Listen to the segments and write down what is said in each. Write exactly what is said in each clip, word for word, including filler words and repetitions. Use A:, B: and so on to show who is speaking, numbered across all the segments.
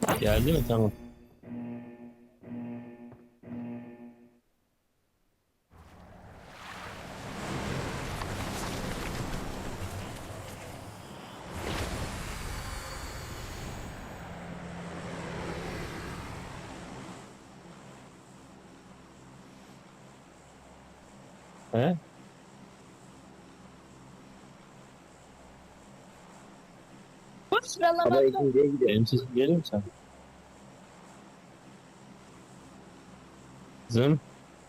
A: Geldi mi? Tamam. He?
B: Ama
C: Sıralamakta.
B: ikinciye gidiyor.
A: Benim sesim geliyor mu sen? Kızım.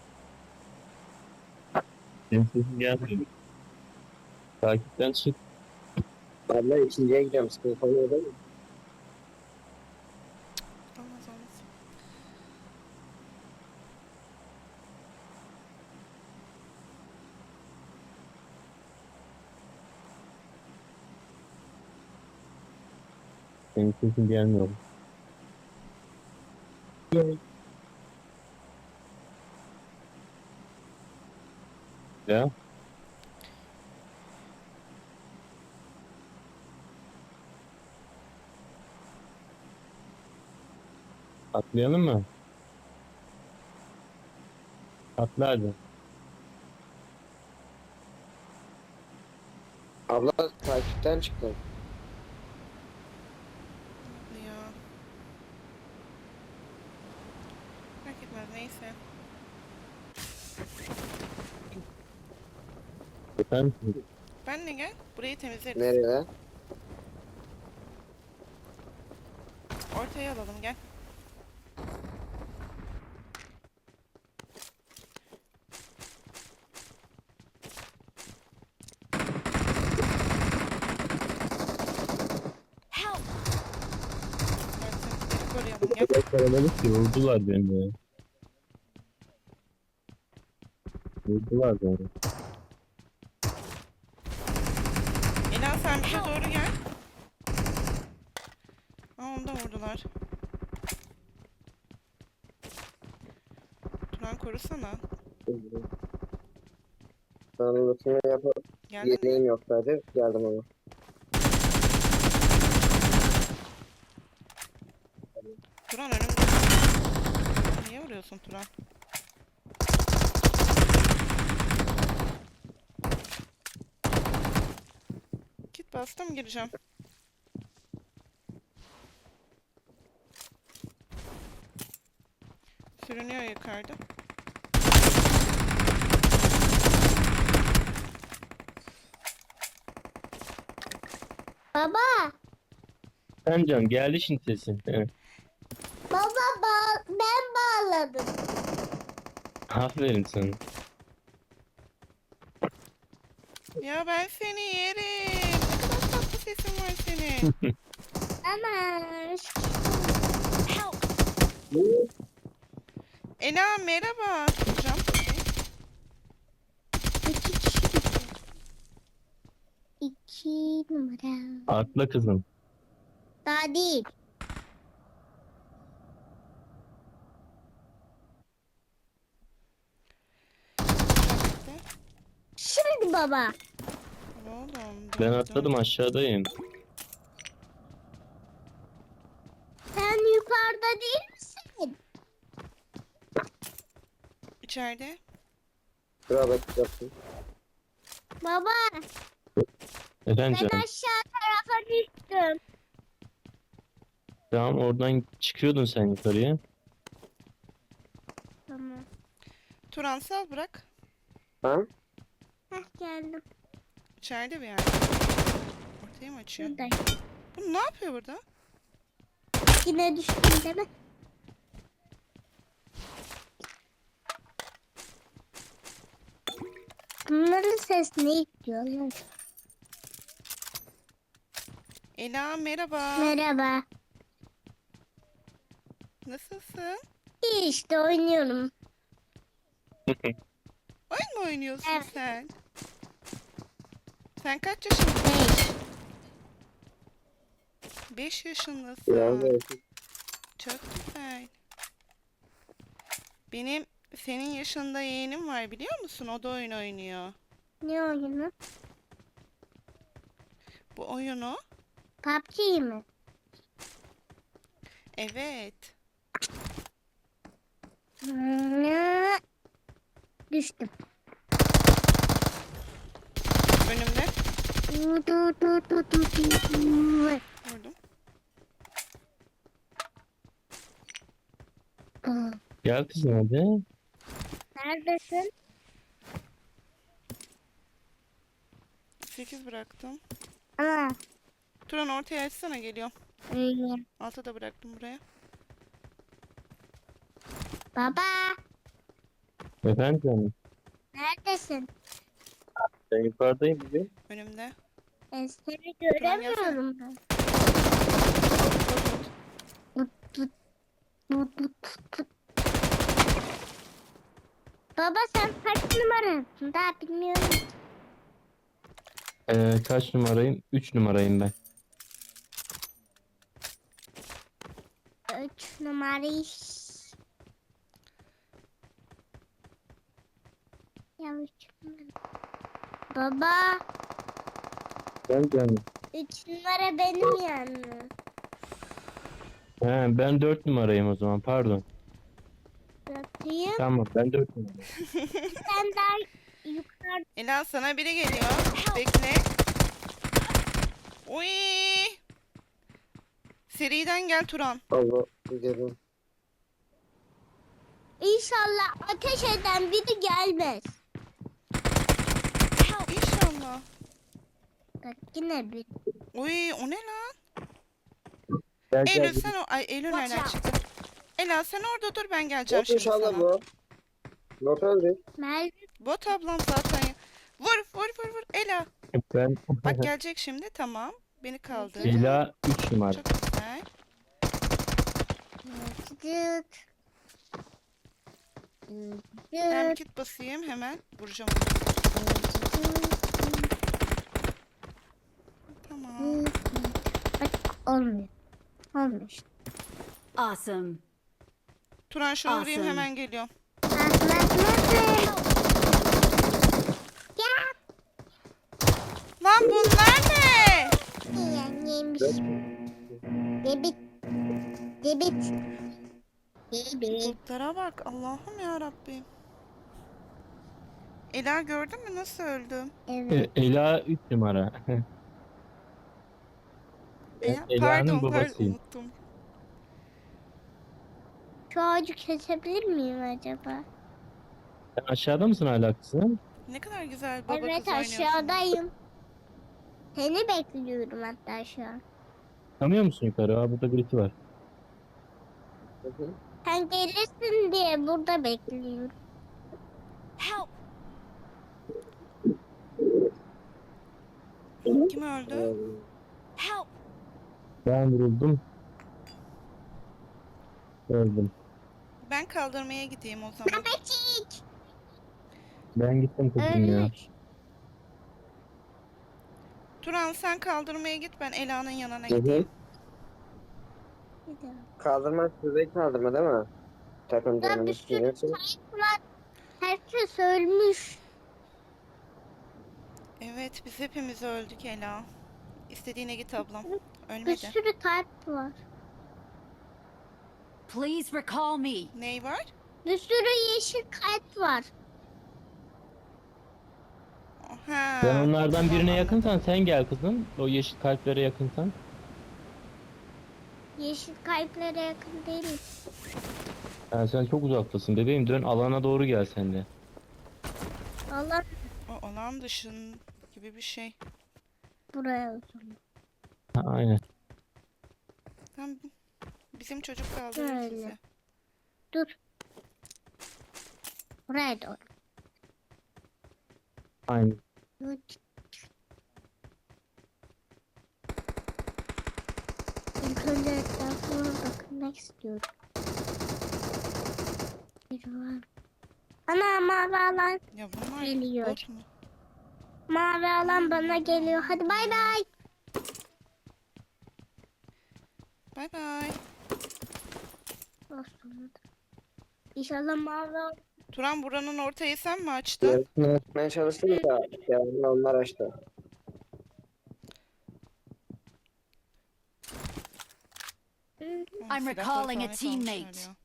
A: Benim sesim gelmiyor. Takipten çık.
B: Abla ikinciye gidiyorum. Sıkıntı oluyor değil mi?
C: Olmaz olmaz.
A: Benim sesim gelmiyor. Ya. Atlayalım mı? Atla hadi.
B: Abla takipten çıktım.
C: Ya. Fark etmez neyse.
A: Efendim?
C: Benle gel. Burayı temizleriz.
B: Nereye?
C: Ortaya alalım gel.
D: Help!
C: Gel temizleri koruyalım gel.
A: Çok kalabalık ki vurdular beni ya. Vurdular beni.
C: Ela sen bize doğru gel. Aa onu da vurdular. Turan korusana.
B: Anlatımı yapıp
C: Geldin mi?
B: yedeğim yok sadece. Geldim ama.
C: Turan önümde. Niye vuruyorsun Turan? Git bastım gireceğim. Sürünüyor yukarıda.
D: Baba,
A: Sen can geldi şimdi sesin. Evet.
D: baba ba ben bağladım.
A: Aferin sana.
C: Ya ben seni yerim. Ne kadar tatlı sesin var senin.
D: Ama
C: Help. Ela merhaba. Cam.
D: iki kişi. İki numara.
A: Atla kızım.
D: Daha değil. Şimdi baba.
C: Oğlum
A: Ben
C: dur dur.
A: atladım aşağıdayım.
D: Sen yukarıda değil misin?
C: İçeride.
B: Şuraya bakacaksın.
D: Baba,
A: Efendim
D: ben
A: canım.
D: aşağı tarafa düştüm.
A: Tamam oradan çıkıyordun sen yukarıya.
D: Tamam.
C: Turan sal bırak.
B: Ha?
D: Heh geldim.
C: İçeride bir yerde. Ortaya mı açıyor?
D: Şuradayım.
C: Bu ne yapıyor burada?
D: Yine düştüm değil mi? Bunların sesini diyorlar.
C: Ela merhaba.
D: Merhaba.
C: Nasılsın?
D: İyi işte oynuyorum.
C: Oyun mu oynuyorsun
D: Evet.
C: sen? Sen kaç yaşındasın?
D: Beş.
C: Beş yaşındasın.
B: Biraz da
C: Çok güzel. Benim senin yaşında yeğenim var biliyor musun? O da oyun oynuyor.
D: Ne oyunu?
C: Bu oyunu
D: P U B G mi?
C: Evet.
D: Hmm, düştüm.
C: Önümde.
D: Du, du, du, du, du, du.
C: Vurdum.
D: Aa,
A: Gel kızım hadi.
D: neredesin?
C: sekiz bıraktım.
D: Aa,
C: Turan ortaya açsana, geliyor.
D: öyle.
C: Altı da bıraktım buraya.
D: Baba,
A: Efendim canım.
D: neredesin?
A: Ben yukarıdayım bugün.
C: Önümde.
D: Ben seni
C: Turan gelsene.
D: göremiyorum ben. Tut, tut, tut, tut, tut, tut. Baba sen kaç numarasın? Daha bilmiyorum.
A: Ee, kaç numarayım? Üç numarayım ben.
D: Üç numarayı. Ya üç numara. Baba,
A: Ben canım.
D: üç numara benim yani.
A: He, ben dört numarayım o zaman pardon.
D: Bakayım.
A: Tamam ben dört numarayım.
D: Sen daha yukarı.
C: Ela sana biri geliyor. Bekle. Uy. Seriden gel Turan.
B: Allah gidelim.
D: İnşallah ateş eden biri gelmez.
C: İnşallah.
D: Bak yine bir.
C: Uy, o ne lan?
A: Gel gel.
C: Eylül sen o... Ay Eylül nereden çıktı? Ela sen orada dur, ben geleceğim
B: Bot
C: şimdi
B: inşallah
C: sana.
B: bu. Not öldü.
D: Merve
C: Bot ablam zaten. ya. Vur vur vur vur Ela.
A: Ben
C: Bak gelecek şimdi, tamam. Beni kaldır.
A: Ela üç numara.
C: Çok güzel.
D: Dıt.
C: Ben bir
D: Dıt.
C: kit basayım, hemen vuracağım onu. Tamam.
D: Bak olmuyor. Olmuyor.
E: Awesome.
C: Turan şunu vurayım,
E: Awesome.
C: hemen geliyorum.
D: Bak bak nasıl? Ya.
C: Lan bunlar ne?
D: Yeniymiş. Debit. Debit. Debit.
C: Botlara bak, Allah'ım ya Rabbim. Ela gördün mü nasıl öldüm?
D: Evet.
A: E, Ela üç numara.
C: Ela,
A: Ela'nın
C: pardon pardon
A: babasıyım.
C: unuttum.
D: Şu ağacı kesebilir miyim acaba?
A: Sen aşağıda mısın hala kızım?
C: Ne kadar güzel baba
D: Evet
C: kız oynuyorsun.
D: aşağıdayım. Seni bekliyorum hatta şu an.
A: Çıkamıyor musun yukarı? Aa, burada birisi var.
B: Hı hı.
D: Sen gelirsin diye burada bekliyorum.
E: Help!
C: Kim öldü?
B: Ee,
E: Help!
A: Ben vuruldum. Öldüm.
C: Ben kaldırmaya gideyim o zaman.
D: Babacık.
A: Ben gittim kızım ya.
D: Ölmüş.
C: Turan sen kaldırmaya git, ben Ela'nın yanına
B: Hı hı.
C: gideyim.
D: Bir de-
B: Kaldırma size kaldırma değil mi? Takım
D: Ya bir
B: canını
D: sürü
B: tutuyorsun.
D: kayıp var. Herkes ölmüş.
C: Evet, biz hepimiz öldük Ela. İstediğine git ablam.
D: Bir
C: Ölmedi.
D: sürü kalp var.
E: Please recall me.
C: Ney var?
D: Bir sürü yeşil kalp var.
C: Ha.
A: Sen onlardan
C: tamam,
A: birine
C: anladım.
A: yakınsan sen gel kızım. O yeşil kalplere yakınsan.
D: Yeşil kalplere yakın değilim.
A: Yani sen çok uzaktasın bebeğim. Dön alana doğru gel sen de.
D: Allah
C: O alan dışın gibi bir şey.
D: buraya o zaman.
A: Ha, aynen.
C: Tam bizim çocuk kaldırır
D: Şöyle.
C: sizi.
D: Dur. Buraya doğru.
A: Aynen.
D: Dur. İlk önce etrafıma bakmak istiyorum. Biri var. Ana mavi alan.
C: Ya bunlar
D: Geliyor.
C: bot mu?
D: Mavi alan bana geliyor. Hadi bay bay.
C: Bay bay.
D: Olsun. İnşallah mavi alan.
C: Turan buranın ortayı sen mi açtın?
B: Yarısını açmaya çalıştım da yani onlar açtı.
C: O
E: I'm
C: Silahları
E: recalling a
C: falan
E: teammate.
C: kontrol ediyor.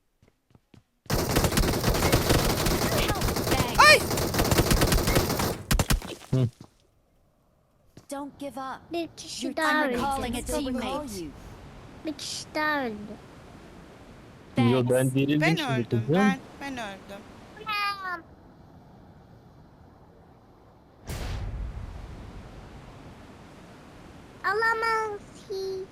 E: Help! Thanks.
C: Ay!
E: Don't give up.
D: Bir kişi
E: I'm
D: daha öldü.
E: recalling a
C: Recall
E: teammate.
C: you.
D: Bir kişi daha öldü.
A: Yo ben
E: Thanks.
A: dirildim
C: Ben
A: şimdi
C: öldüm.
A: kızım.
C: Ben ben öldüm.
D: Alamaz ki.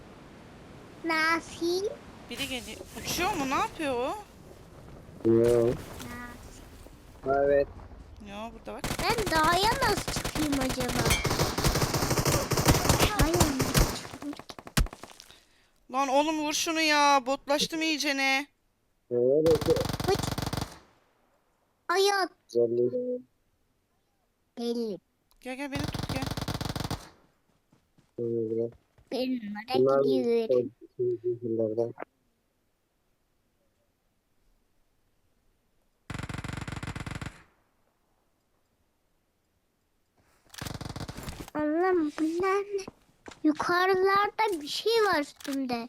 D: Nasıl?
C: Biri geliyor. Uçuyor mu? Ne yapıyor o?
B: Yok.
D: Nasıl?
B: Evet.
C: Ya burada bak.
D: Ben dağa nasıl çıkayım acaba? Dağa nasıl çıkayım?
C: Lan oğlum vur şunu ya. Botlaştım iyicene.
B: Evet.
D: Hıç. Hayat.
B: Güzelliği.
D: Belli.
C: Gel gel beni tut gel.
B: Bunlar
D: Bir numara gidiyor.
B: yıllardan.
D: Allah'ım bunlar ne? Yukarılarda bir şey var üstünde.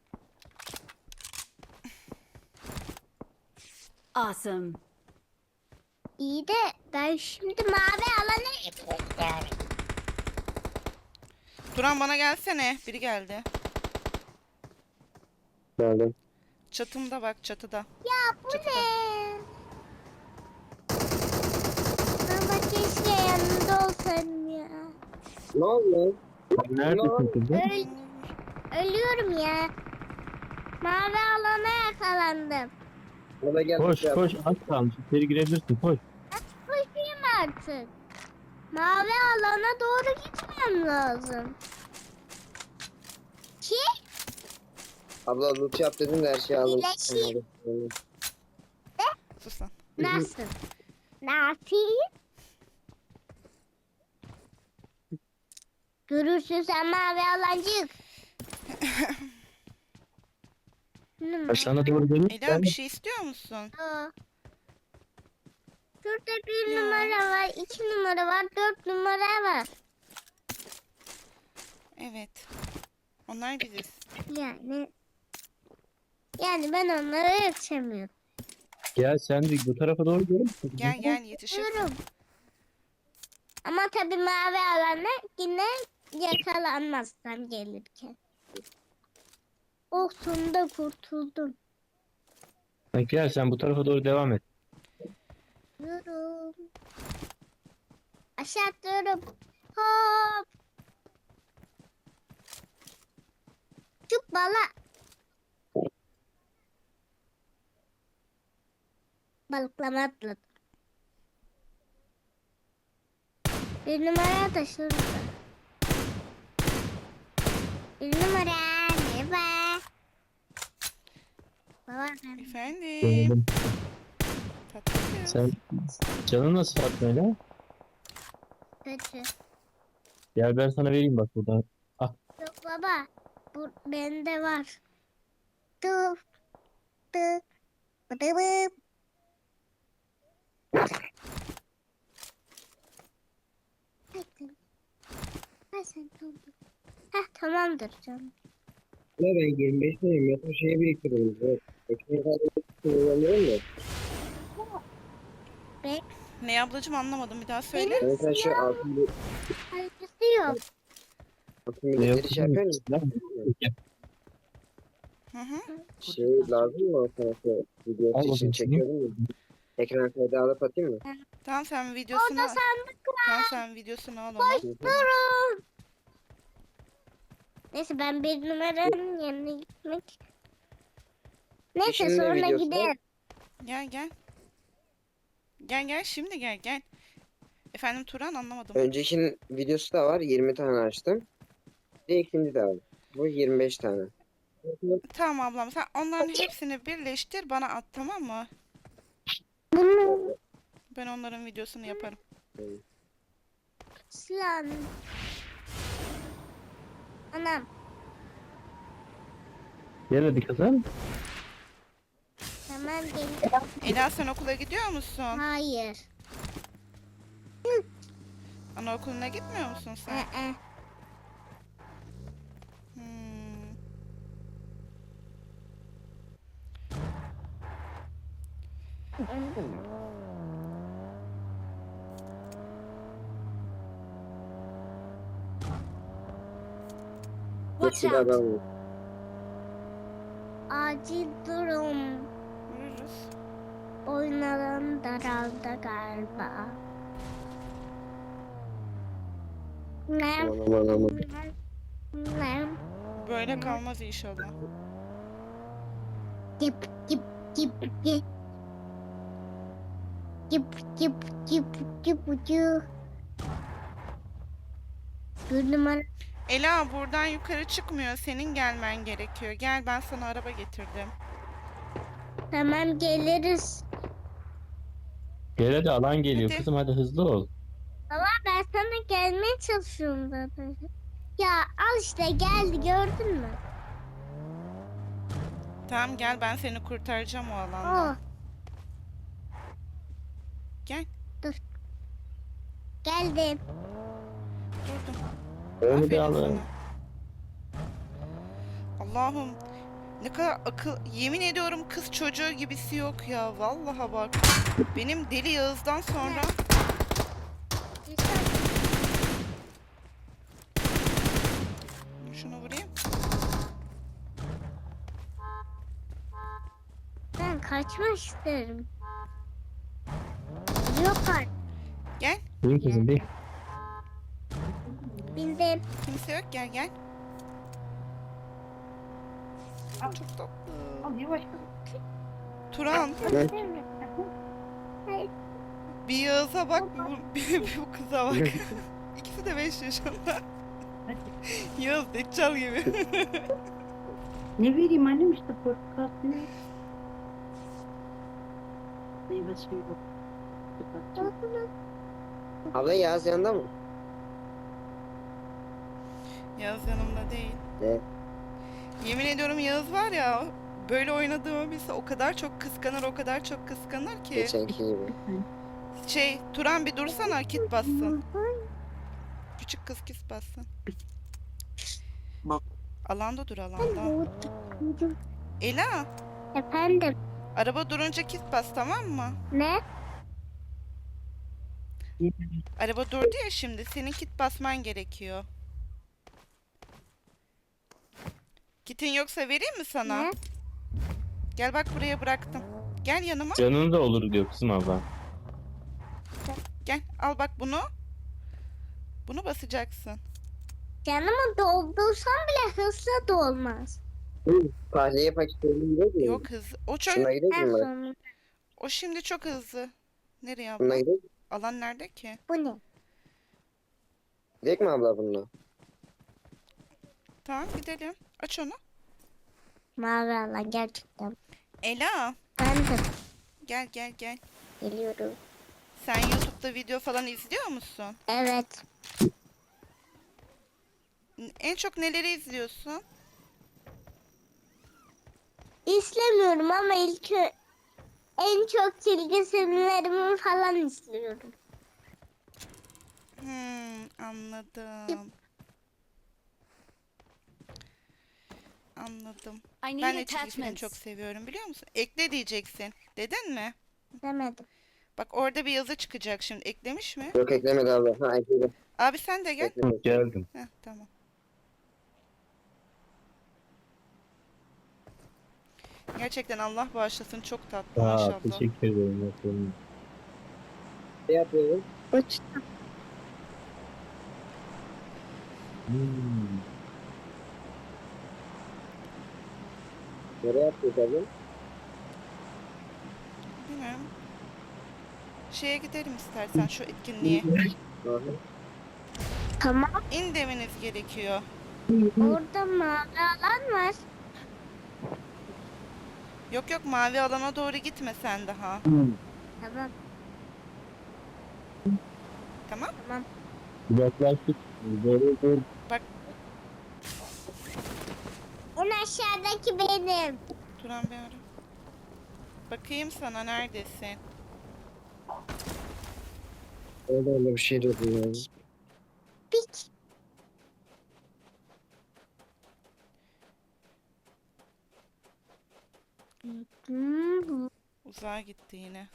E: Awesome.
D: İyi de ben şimdi mavi alana gidiyorum.
C: Turan bana gelsene. Biri geldi.
B: Geldim.
C: Çatımda bak çatıda.
D: Ya bu
C: Çatıda.
D: ne? Ama keşke yanında olsaydım ya.
B: Ne oldu lan?
A: Neredesin kızım?
D: Öl ölüyorum ya. Mavi alana yakalandım.
B: Bana gel.
A: Koş
B: Yap.
A: koş az kalmış. İçeri girebilirsin koş.
D: Koşayım artık. Mavi alana doğru gitmem lazım. Ki?
B: Abla loot yap dedin de her şeyi aldım.
D: İyileşeyim.
C: Sus lan.
D: Nasıl? Nasıl? Görürsün sen mavi alancık.
A: Ben sana doğru
C: Ela
A: gelirsen
C: bir şey istiyor musun?
D: Aa. Şurada bir
C: Ya.
D: numara var, iki numara var, dört numara var.
C: Evet. Onlar biziz.
D: Yani yani ben onlara yetişemiyorum.
A: gel sen de bu tarafa doğru gelir misin?
C: Gel gel yetişir.
D: Diyorum. Ama tabii mavi alana yine yakalanmazsam gelirken. Oh sonunda kurtuldum.
A: Ha, gel sen bu tarafa doğru devam et.
D: Diyorum. Aşağı atlıyorum. Hop. Çık bala. Balıklama atladım. Bir numara da şurada. Bir numara merhaba. Baba ben
C: Efendim.
A: Gelelim.
C: Tatlı kız.
A: Sen canın nasıl Fatma'yla?
D: kötü.
A: Gel ben sana vereyim bak buradan.
D: Yok baba. Bu bende var. Tıp. Tıp. Bıdıbıp. Hadi. Ha sen tamam. Heh tamamdır canım.
B: Ne ben yirmi beş tane metro şeye biriktiriyorum. Evet. Ekmeği kullanıyorum da.
C: Ne ablacığım anlamadım bir daha söyle.
D: Benim
B: Ben sen şu altın bir
D: Saygısı yok.
B: altın
A: Ne
B: bir şey yapıyor musun?
C: Hı hı.
B: Şey lazım mı o tarafa?
A: Al
B: Video
A: bakayım
B: için
A: şunu.
B: çekiyordum ya. Ekran kaydı alıp atayım mı?
C: Tamam sen videosunu
D: Orada sandık
C: Tamam sen videosunu al onu.
D: durun. Neyse ben bir numaranın yanına gitmek. Neyse
B: Şimdi
D: sonra
B: videosu
D: giderim.
C: Gel gel. Gel gel şimdi gel gel. Efendim Turan anlamadım.
B: Öncekinin videosu da var. yirmi tane açtım. Bir de ikinci de var. Bu yirmi beş tane.
C: Tamam ablam sen onların hepsini birleştir bana at tamam mı?
D: Bunu
C: Ben onların videosunu yaparım.
D: silah. Anam.
A: Gel hadi kızım.
D: Tamam geliyorum.
C: Ela sen okula gidiyor musun?
D: Hayır.
C: Anaokuluna gitmiyor musun sen?
D: Ee,
C: Hmm.
E: Watch
B: Bir
E: out!
B: adam var.
D: Acil durum.
C: Vururuz.
D: Oyunların daraldı galiba. Ne?
B: Aman aman aman.
D: Ne?
C: Böyle kalmaz inşallah.
D: Gip gip gip gip. Gip gip gip gip gip. Bir numara.
C: Ela buradan yukarı çıkmıyor. Senin gelmen gerekiyor. Gel ben sana araba getirdim.
D: Tamam geliriz.
A: Gel hadi, alan geliyor
C: Hadi.
A: kızım, hadi hızlı ol.
D: Baba ben sana gelmeye çalışıyorum zaten. Ya al işte geldi gördün mü?
C: Tamam gel ben seni kurtaracağım o
D: Oh
C: alandan. Gel.
D: geldim.
C: Durdum.
A: Onu bir
C: Aferin
A: alın.
C: sana. Allah'ım. Ne kadar akıl... Yemin ediyorum kız çocuğu gibisi yok ya. Vallahi bak. Benim Deli Yağız'dan sonra... Şunu vurayım.
D: Ben kaçmak isterim. Yok artık.
C: Gel.
A: Bin kızım bin.
D: Bildim.
C: Kimse yok. Gel gel. Çok tatlı. Turan. Bir Yağız'a bak. Bu, bir, bir bu kıza bak. İkisi de beş yaşında. Yağız Deccal gibi.
F: Ne vereyim annem işte portakal suyu. Meyve suyu yok.
B: Abla Yağız yanında mı?
C: Yağız yanımda değil.
B: Ne?
C: Yemin ediyorum Yağız var ya, böyle oynadığımı bilse o kadar çok kıskanır, o kadar çok kıskanır ki.
B: Geçenki gibi.
C: Şey, Turan bir dursana, kit bassın. Küçük kız kit bassın.
F: Bak.
C: Alanda dur, alanda. Ela,
D: Efendim
C: araba durunca kit bas, tamam mı?
D: ne?
C: Araba durdu ya şimdi, senin kit basman gerekiyor. Kitin yoksa vereyim mi sana?
D: Ne?
C: Gel bak buraya bıraktım. Gel yanıma.
A: Canını da olur diyor kızım abla.
C: Gel al bak bunu. Bunu basacaksın.
D: Canımı doldursam bile hızlı dolmaz.
B: Tahliye paketlerini gidiyor mu?
C: Yok hız. O çok
B: Şuna gidiyor
D: En
B: mu? bak?
D: son
C: o şimdi çok hızlı. Nereye abla?
B: Bununla gidiyor mu?
C: Alan nerede ki?
D: bu ne?
B: Gidelim mi abla bununla?
C: Tamam gidelim. Aç onu.
D: Mavi alan gerçekten.
C: Ela
D: Ben de
C: gel gel gel.
D: geliyorum.
C: Sen YouTube'da video falan izliyor musun?
D: Evet.
C: N- En çok neleri izliyorsun?
D: İstemiyorum ama ilk ö- en çok çizgi filmlerimi falan izliyorum.
C: Hmm, anladım. Anladım.
E: I need
C: Ben de çizgi film
E: attachments.
C: çok seviyorum biliyor musun? Ekle diyeceksin. Dedin mi?
D: Demedim.
C: Bak orada bir yazı çıkacak şimdi. Eklemiş mi?
B: Yok eklemedi abla. Ha ekledi.
C: Abi sen de gel.
B: Ekledi.
A: Hı, geldim.
C: Heh, tamam. Gerçekten Allah bağışlasın, çok tatlı
A: Aa,
C: maşallah.
A: teşekkür ederim. Efendim.
B: Ne yapıyorsun?
D: Uçtum.
A: Hmm.
B: Nereye yapıyorsun abla?
C: Bilmiyorum. Şeye gidelim istersen şu etkinliğe.
B: Aha.
D: Tamam.
C: İn demeniz gerekiyor.
D: Orada mavi alan var.
C: Yok yok mavi alana doğru gitme sen daha.
D: Tamam.
C: Tamam?
D: Tamam.
A: Yaklaştık. Doğru doğru.
D: En aşağıdaki benim.
C: Turan bir ara. Bakayım sana neredesin?
B: Orada öyle bir şey diyordum ya.
D: Pik. Hmm.
C: Uzağa gitti yine.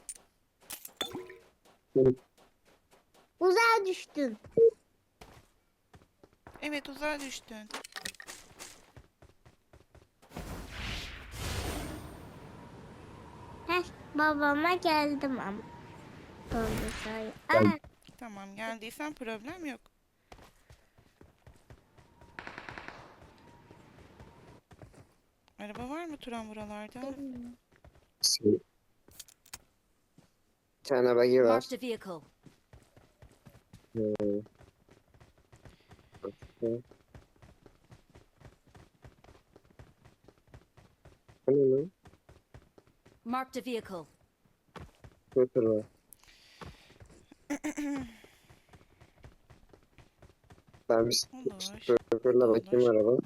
D: Uzağa düştün.
C: Evet, uzağa düştün.
D: Heh, babama geldim ama. Doğru say.
A: Gel.
D: Aa,
C: Tamam, geldiysen problem yok. Araba var mı Turan buralarda?
B: Bir tane bagi var.
E: Marked a vehicle.
B: Bu ne lan?
E: Marked a vehicle.
B: Scooter var. Ben bir
C: Olur.
B: scooter'la bakayım
C: Olur.
B: araba.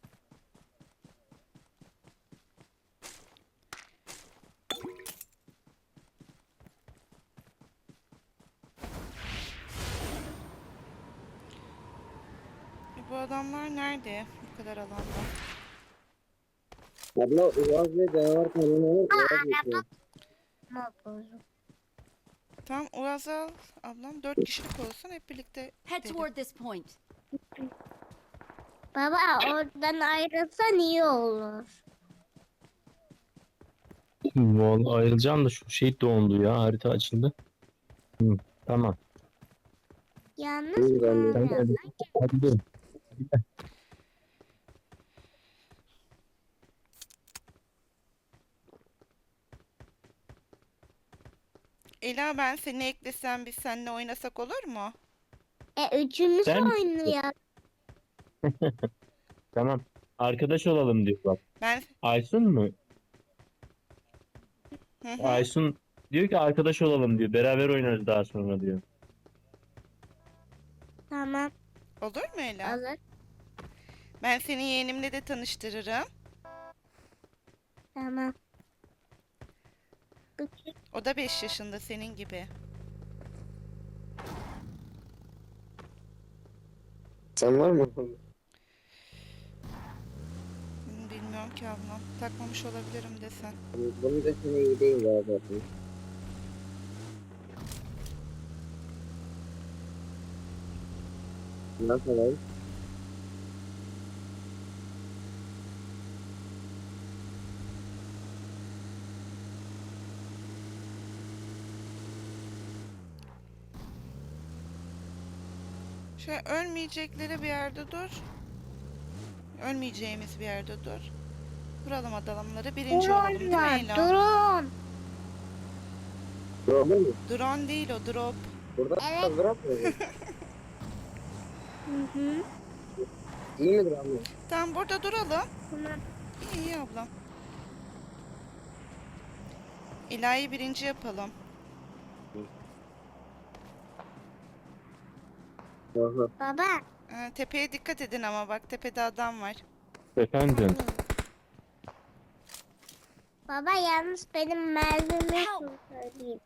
C: E, bu adamlar nerede? Bu kadar alanda.
B: Abla Uaz ve canavar kanunu var. Uaz geçiyor.
D: ama bozuk.
C: Tamam, Uaz al ablam. Dört kişilik olsun, hep birlikte
E: Head
C: gidelim.
E: toward this point.
D: Baba oradan ayrılsan iyi olur.
A: Vallahi ayrılacağım da şu şey dondu ya harita açıldı. Hı, tamam.
D: Yalnız
B: İyi, ben de-
A: Sen
D: sonra
A: de hadi gidelim.
C: Ela, ben seni eklesem biz seninle oynasak olur mu?
D: e, üçümüz
A: Sen-
D: oynuyor.
A: Tamam. Arkadaş olalım diyor bak.
C: Ben
A: Aysun mu?
C: hı hı.
A: Aysun diyor ki arkadaş olalım diyor. Beraber oynarız daha sonra diyor.
D: Tamam
C: Olur mu Ela?
D: alır.
C: Ben seni yeğenimle de tanıştırırım.
D: Tamam.
C: O da beş yaşında senin gibi.
B: Sen var mı?
C: Hmm, Bilmiyorum ki ablam. Takmamış olabilirim desen.
B: Bunu da sana iyi değil ya zaten. Ne yapalım?
C: Şöyle ölmeyecekleri bir yerde dur. Ölmeyeceğimiz bir yerde dur. Vuralım adamları. Birinci olalım değil
D: Drone
C: mi
D: var.
C: Ela?
D: Drone.
B: Drone mu?
C: Drone değil o, drop.
B: Burada
D: Evet.
B: bırak mı?
D: Hı hı.
B: İyi midir abla?
C: Tamam, burada duralım.
D: Tamam.
C: İyi iyi ablam. Ela'yı birinci yapalım.
B: Aha.
D: Baba.
C: Ee, tepeye dikkat edin ama bak, tepede adam var.
A: Efendim.
D: Baba yalnız benim mermimi söyleyeyim.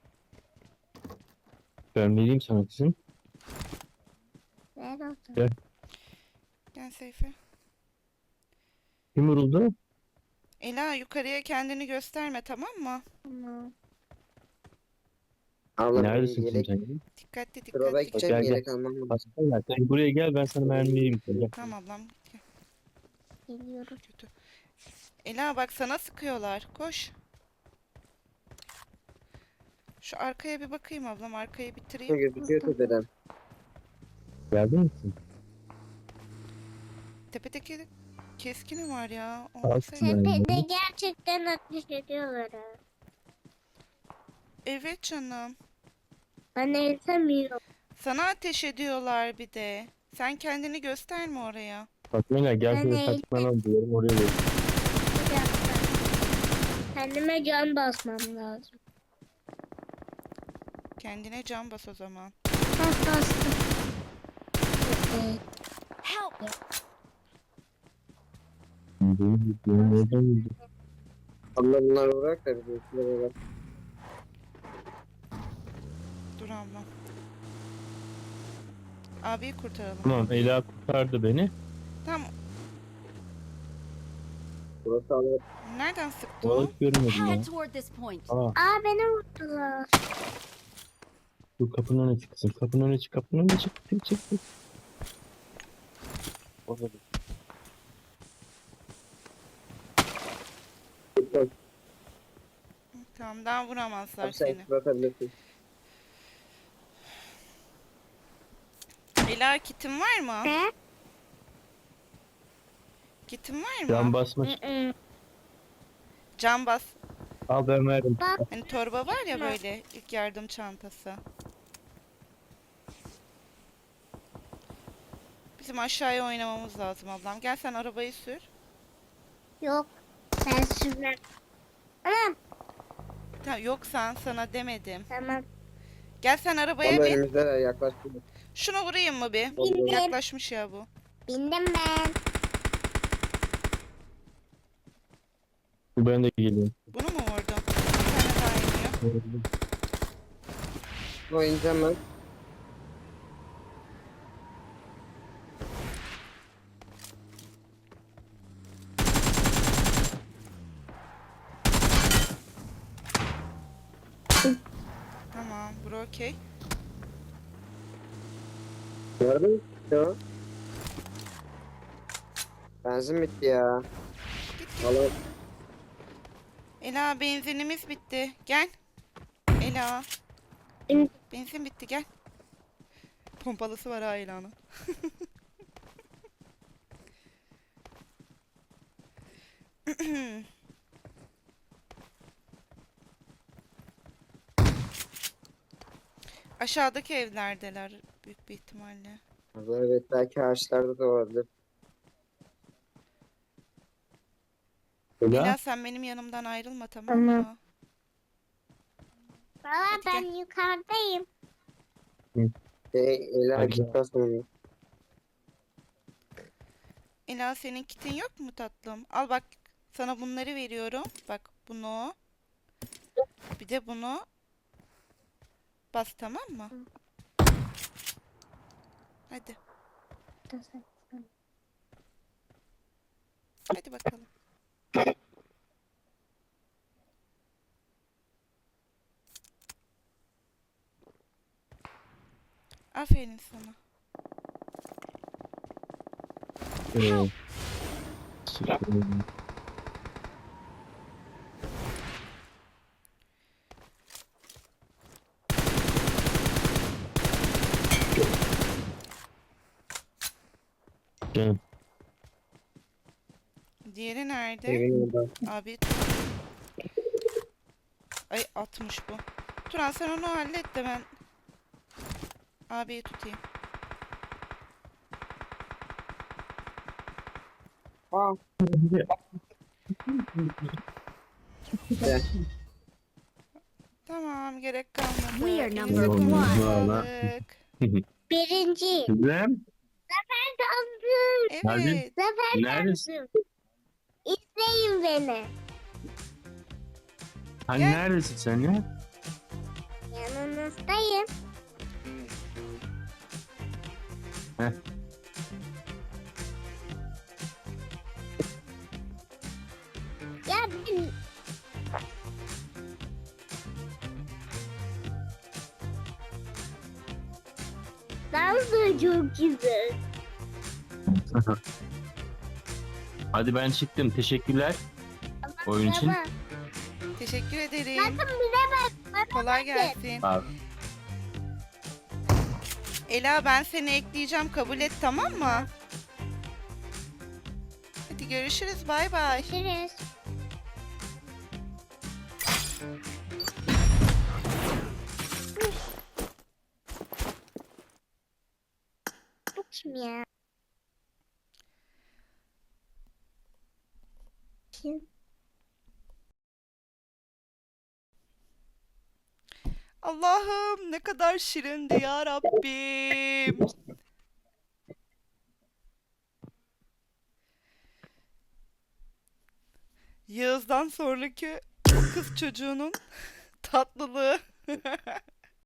A: Ben vereyim sana kızım.
D: Ver o zaman.
A: Gel.
C: Gel Seyfi.
A: Kim vuruldu?
C: Ela, yukarıya kendini gösterme, tamam mı?
D: Tamam.
B: Abla
A: Neredesin
B: benim
A: kızım
B: yelek
A: sen?
C: Dikkatli
B: Drop'a
C: dikkatli.
B: gideceğim,
A: Gel, gel.
B: yelek almam lazım.
A: Başka yer. Sen buraya gel ben sana mermi vereyim. Gel.
C: Tamam ablam. Gel.
D: Geliyorum.
C: Kötü. Ela bak, sana sıkıyorlar. Koş. Şu arkaya bir bakayım ablam. Arkayı bitireyim.
B: Gözüküyor tepeden.
A: Geldin misin?
C: Tepedeki keskini var ya.
A: Aslında-
C: Olmasaydı.
D: Tepede gerçekten ateş ediyorlar ha.
C: Evet canım.
D: Ben ezemiyorum.
C: Sana ateş ediyorlar bir de. Sen kendini gösterme oraya.
A: Fatma gel
D: Ben
A: şöyle
D: eğitim-
A: saklanalım diyorum oraya ver.
D: Bir dakika. Kendime can basmam lazım.
C: Kendine can bas o zaman.
D: Bas bastım. Evet.
E: Help!
B: Abla bunları bırak da bir üstüne bak.
C: Dur ablam. Abiyi kurtaralım.
A: Tamam Ela kurtardı beni.
C: Tamam.
B: Burası alır.
C: Nereden sıktı o?
A: Balık görmedim ya.
E: Head toward this point.
A: Aa,
D: Aa beni vurdular.
A: dur kapının önüne çık kızım. Kapının önüne çık. Kapının önüne çık. Çık çık. çık. Orada dur.
C: Tamam, daha vuramazlar
B: Abi sen
C: seni.
B: fırlatabilirsin.
C: Ela, kitin var mı?
D: Ne?
C: Kitin var mı?
A: Can basma.
D: Hı-hı.
C: Can bas.
A: Al ben verdim.
D: Bak
C: Hani torba var ya, böyle ilk yardım çantası. Bizim aşağıya oynamamız lazım ablam. Gel sen arabayı sür.
D: yok. Ben sürmem. Anam
C: Ta, yok sen sana demedim.
D: tamam.
C: Gel sen arabaya
B: Ama
C: bin.
B: önümüzdeler yaklaştı.
C: Şuna vurayım mı bir?
D: Bindim.
C: Yaklaşmış ya bu.
D: Bindim ben.
A: Ben de geliyorum.
C: Bunu mu vurdum? Bir tane daha iniyor.
B: O ineceğim ben.
C: Tamam, bro okey.
B: Nerede mi? Ya. Benzin bitti ya. Alalım.
C: Ela, benzinimiz bitti. Gel. Ela.
D: Bin-
C: Benzin bitti, gel. Pompalısı var ha Ela'nın. Aşağıdaki evlerdeler büyük bir ihtimalle.
B: Evet, belki ağaçlarda da olabilir.
A: Ela.
C: Ela, sen benim yanımdan ayrılma, tamam
D: Tamam.
C: mı?
D: Valla
C: Hadi
D: ben
C: gel.
D: yukarıdayım.
B: Şey, Ela
A: Hadi.
B: git basmıyor.
C: Ela, senin kitin yok mu tatlım? Al bak, sana bunları veriyorum. Bak, bunu. Bir de bunu. Bas, tamam mı? Hadi. Hadi bakalım. Aferin sana.
A: Ee, sıkıyorum. Canım.
C: Diğeri nerede?
B: Evin orada.
C: Abi. Ay, atmış bu. Turan, sen onu hallet de ben abiyi tutayım.
B: Aa. Gel.
C: Tamam, gerek kalmadı.
E: We are
C: Elinize
E: number
C: kolay
A: one.
C: sağlık.
D: Birinci.
A: İbrahim.
D: Kaldım.
A: Hadi.
C: Evet.
D: Zafer
A: Neredesin?
D: kaldım. İzleyin beni.
A: Hani
C: Gel.
A: neredesin sen ya?
D: Yanınızdayım.
A: Heh.
D: Ya ben... Dans da çok güzel.
A: Hadi ben çıktım. Teşekkürler. Oyun için.
D: Baba,
C: Teşekkür ederim.
D: bakın bize bak.
C: Kolay gelsin.
A: Abi.
C: Ela, ben seni ekleyeceğim. Kabul et, tamam mı? Hadi görüşürüz. Bay bay.
D: Görüşürüz. Bu kim ya? Kim?
C: Allah'ım, ne kadar şirindi ya Rabbim. Yağız'dan sonraki o kız çocuğunun tatlılığı.